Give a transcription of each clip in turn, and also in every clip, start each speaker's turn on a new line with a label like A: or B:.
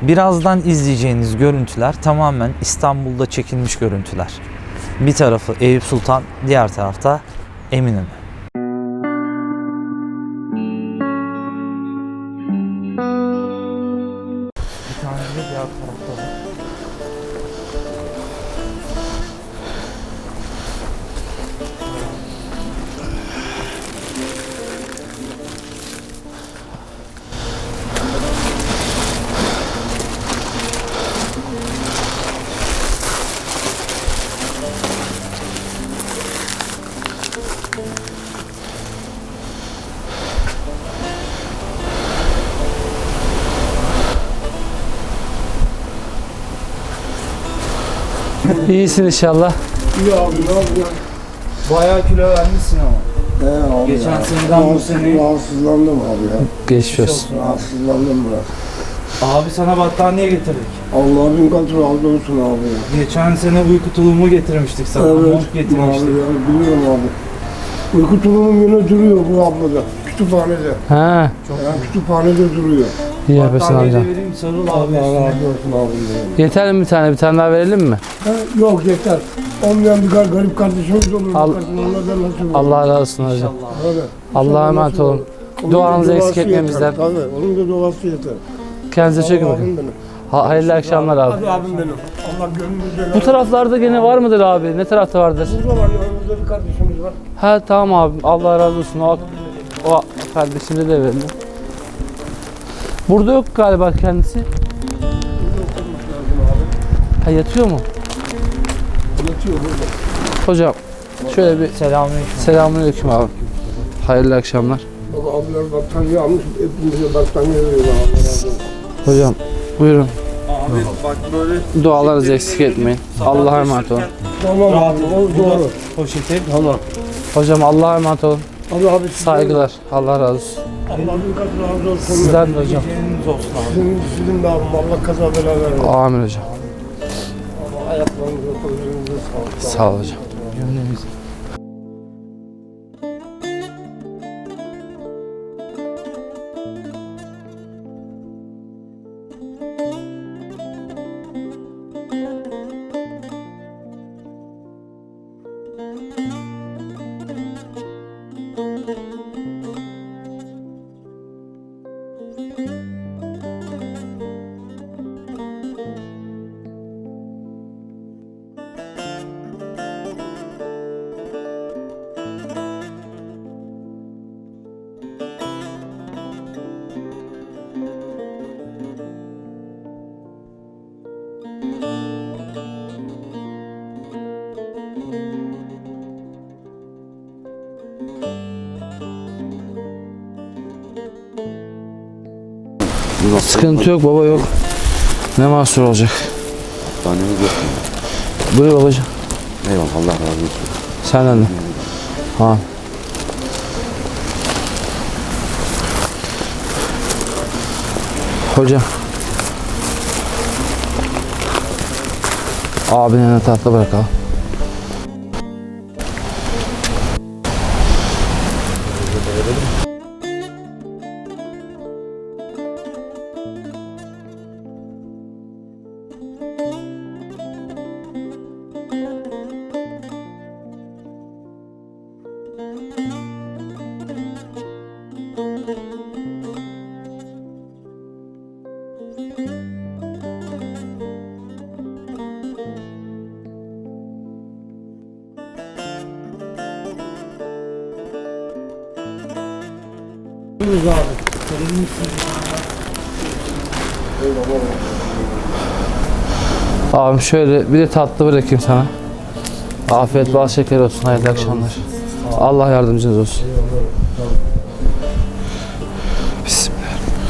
A: Birazdan izleyeceğiniz görüntüler tamamen İstanbul'da çekilmiş görüntüler. Bir tarafı Eyüp Sultan, diğer tarafta Eminönü. Bir tane de diğer tarafta var.
B: İyisin inşallah.
C: İyi abi, ne yapıyorsun?
A: Bayağı kilo vermişsin ama.
C: Abi
A: Geçen
C: ya,
A: seneden bu sene-
C: rahatsızlandım abi ya.
B: Geçmiş olsun.
C: Rahatsızlandım biraz.
A: Abi sana battaniye getirdik.
C: Allah bin kat razı olsun abi ya.
A: Geçen sene uyku tulumu getirmiştik sana. Mont
C: Abi
A: getirmiştik.
C: ya, biliyorum abi. Uyku tulumum yine duruyor bu ablada. Kütüphanede.
B: Ha,
C: Yani kütüphanede duruyor.
B: iyi yapıyorsun
A: Battaniyeyi
B: amca.
A: de vereyim, sarıl abi
C: Allah
A: üstüne.
C: razı olsun abi.
B: Yeter mi bir tane daha verelim mi?
C: Ha, yok yeter. Olmayan bir garip kardeşimiz olur.
B: Al-
C: Onlardan nasip olur.
B: Allah razı olsun hocam.
A: İnşallah.
C: Öyle.
B: Allah'a emanet
C: Nasip
B: olun.
C: olur. Onun
B: Duanızı
C: da
B: eksik
C: duası
B: etmemizden.
C: yeter. Tabii, onun da duası yeter.
B: Kendinize çok iyi bakın.
C: Abim benim.
B: Hayırlı akşamlar abi.
C: Hadi abim benim. Allah gönlünüzde
B: Bu taraflarda gene var mıdır abi? Ne tarafta vardır?
C: Burada var, yanımızda bir kardeşimiz var.
B: Ha tamam abi. Allah razı olsun. O kardeşimize de verelim. Burada yok galiba kendisi.
C: Burada oturması lazım abi.
B: Ha yatıyor mu?
C: Yatıyor burada.
B: Hocam şöyle bir
A: Selamünaleyküm.
B: selamünaleyküm abi. Hayırlı akşamlar.
C: Baba abiler battaniye almış, hepimize battaniye veriyorlar. Allah razı olsun.
B: Hocam buyurun.
A: Abi bak böyle
B: Dualarınızı eksik etmeyin. Allah'a emanet olun.
C: Tamam abi, o doğru.
A: poşeti.
C: Tamam.
B: Hocam Allah'a emanet olun.
C: Hadi abi
B: Saygılar. Allah razı olsun.
C: Allah bin kat razı olsun.
B: Sizden de hocam.
A: Geceleriniz olsun abi.
C: Sizin de abim, Allah kaza bela vermesin.
B: Amin hocam.
C: Allah ayaklarınıza, kollarınıza sağlık.
B: Sağ ol hocam. Sıkıntı yok baba yok. Ne mahsur olacak?
D: Tanemiz yok.
B: Buyur babacığım.
D: Eyvallah, Allah razı olsun.
B: Senden de. Ha. Hocam. Abinin tahta bırakalım. Abim şöyle bir de tatlı bırakayım sana. Afiyet bal şeker olsun. Hayırlı akşamlar. Allah yardımcınız olsun. Bismillah.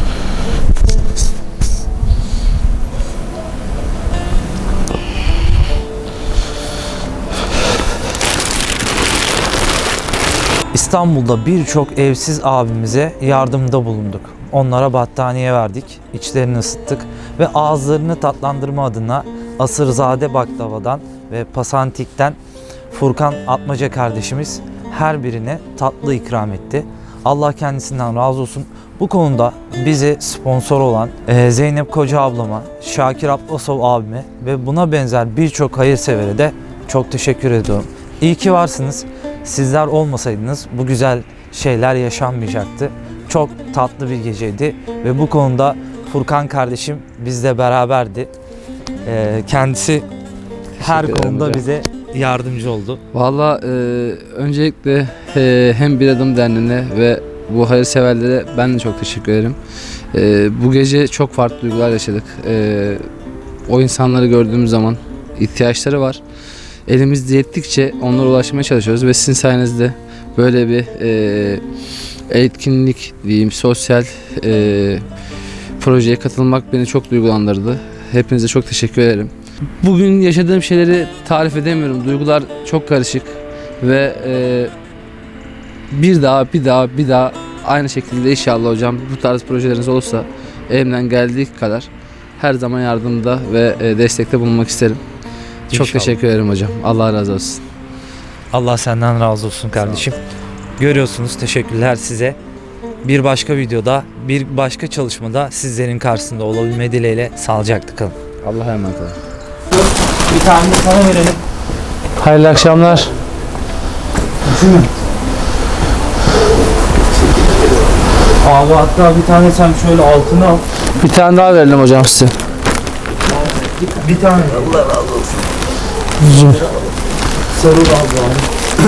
A: İstanbul'da birçok evsiz abimize yardımda bulunduk. Onlara battaniye verdik, içlerini ısıttık ve ağızlarını tatlandırma adına Asırzade Baklava'dan ve Pasantik'ten Furkan Atmaca kardeşimiz her birine tatlı ikram etti. Allah kendisinden razı olsun. Bu konuda bizi sponsor olan Zeynep Koca ablama, Şakir Atlasov abime ve buna benzer birçok hayırsevere de çok teşekkür ediyorum. İyi ki varsınız. Sizler olmasaydınız bu güzel şeyler yaşanmayacaktı. Çok tatlı bir geceydi ve bu konuda Furkan kardeşim bizle beraberdi. Kendisi her
B: Teşekkür ederim
A: konuda
B: hocam.
A: bize yardımcı oldu.
B: Valla öncelikle hem Bir Adım Derneği'ne ve bu hayırseverlere ben de çok teşekkür ederim. Bu gece çok farklı duygular yaşadık. O insanları gördüğümüz zaman ihtiyaçları var. Elimizde yettikçe onlara ulaşmaya çalışıyoruz ve sizin sayenizde böyle bir etkinlik diyeyim, sosyal projeye katılmak beni çok duygulandırdı. Hepinize çok teşekkür ederim. Bugün yaşadığım şeyleri tarif edemiyorum. Duygular çok karışık ve bir daha aynı şekilde inşallah hocam bu tarz projeleriniz olursa elimden geldiği kadar her zaman yardımda ve destekte bulunmak isterim. Çok
A: İnşallah.
B: teşekkür ederim hocam. Allah razı olsun.
A: Allah senden razı olsun kardeşim. Görüyorsunuz, teşekkürler size. Bir başka videoda, bir başka çalışmada sizlerin karşısında olabilme dileğiyle sağlıcakla kalın.
B: Allah'a emanet olun.
A: Bir tane de sana verelim.
B: Hayırlı akşamlar.
A: Abi hatta bir tane sen şöyle altına al.
B: Bir tane daha verelim hocam size.
A: Bir tane.
C: Allah razı olsun.
A: Sarıl abi.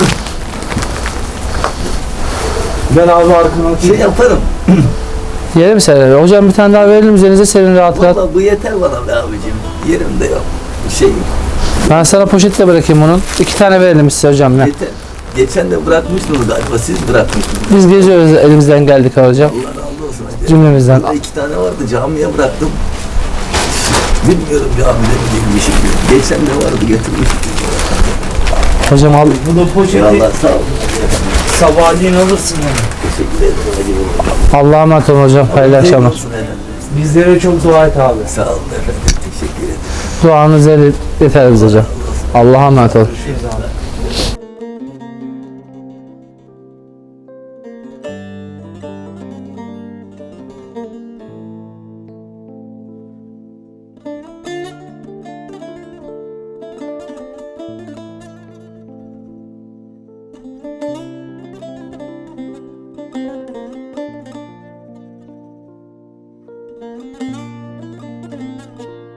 A: Ben abi arkana
E: Şey yaparım.
B: Yerim serelim. Hocam bir tane daha verelim üzerinize serin rahat rahat.
E: Vallahi bu yeter bana be abicim. Yerim de yok. Şey
B: Ben sana poşetle bırakayım onun. 2 tane verelim size hocam ya.
E: yeter. Geçen de bırakmıştınız galiba. Siz bırakmıştınız.
B: Biz geziyoruz elimizden geldik hocam.
E: Allah razı olsun. Hadi.
B: Cümlemizden.
E: Burada 2 tane vardı. Camiye bıraktım. Bilmiyorum camide mi değil bir şey. Geçen de vardı getirmiştim.
B: Hocam al.
A: Bu da poşeti
E: Allah sağ olun.
A: sabahleyin alırsın onu.
E: Teşekkür ederim. Hadi
B: Allah'a emanet olun hocam. Hayırlı akşamlar.
E: olsun efendim.
A: Bizlere çok dua et abi.
E: Sağ olun efendim. Teşekkür ederim.
B: Duanız yeter bize hocam. Allah'a emanet olun.
A: Görüşürüz abi.